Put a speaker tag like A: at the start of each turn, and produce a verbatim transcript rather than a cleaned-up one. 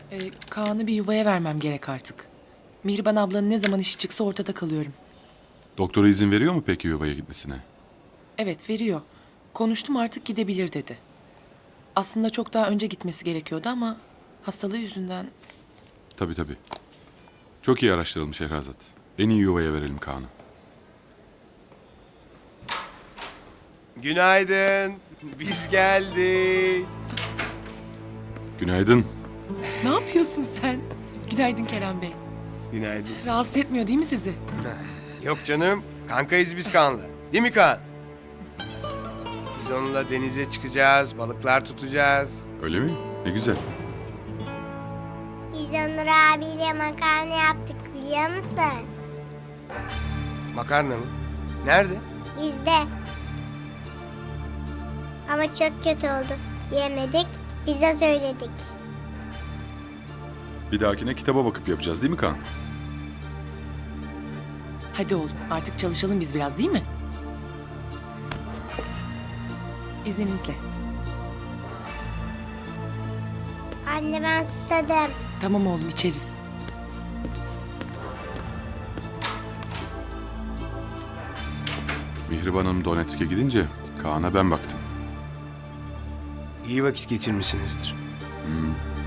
A: Ee, Kaan'ı bir yuvaya vermem gerek artık. Mihriban ablanın ne zaman işi çıksa ortada kalıyorum.
B: Doktora izin veriyor mu peki yuvaya gitmesine?
A: Evet, veriyor. Konuştum, artık gidebilir dedi. Aslında çok daha önce gitmesi gerekiyordu ama hastalığı yüzünden...
B: Tabii tabii. Çok iyi araştırılmış Şehrazat. En iyi yuvaya verelim Kaan'ı.
C: Günaydın. Biz geldik.
B: Günaydın.
A: Ne yapıyorsun sen? Günaydın Kerem Bey.
C: Günaydın.
A: Rahatsız etmiyor değil mi sizi?
C: Yok canım. Kankayız biz Kaan'la. Değil mi Kaan? Biz onunla denize çıkacağız, balıklar tutacağız.
B: Öyle mi? Ne güzel.
D: Biz Onur abiyle makarna yaptık biliyor musun?
C: Makarna mı? Nerede?
D: Bizde. Ama çok kötü oldu. Yemedik, bize söyledik.
B: Bir dahakine kitaba bakıp yapacağız değil mi Kaan?
A: Hadi oğlum, artık çalışalım biz biraz değil mi? İzninizle.
D: Anne ben susadım.
A: Tamam oğlum, içeriz.
B: Mihriban Hanım Donetsk'e gidince Kaan'a ben baktım.
C: İyi vakit geçirmişsinizdir.
B: Hmm,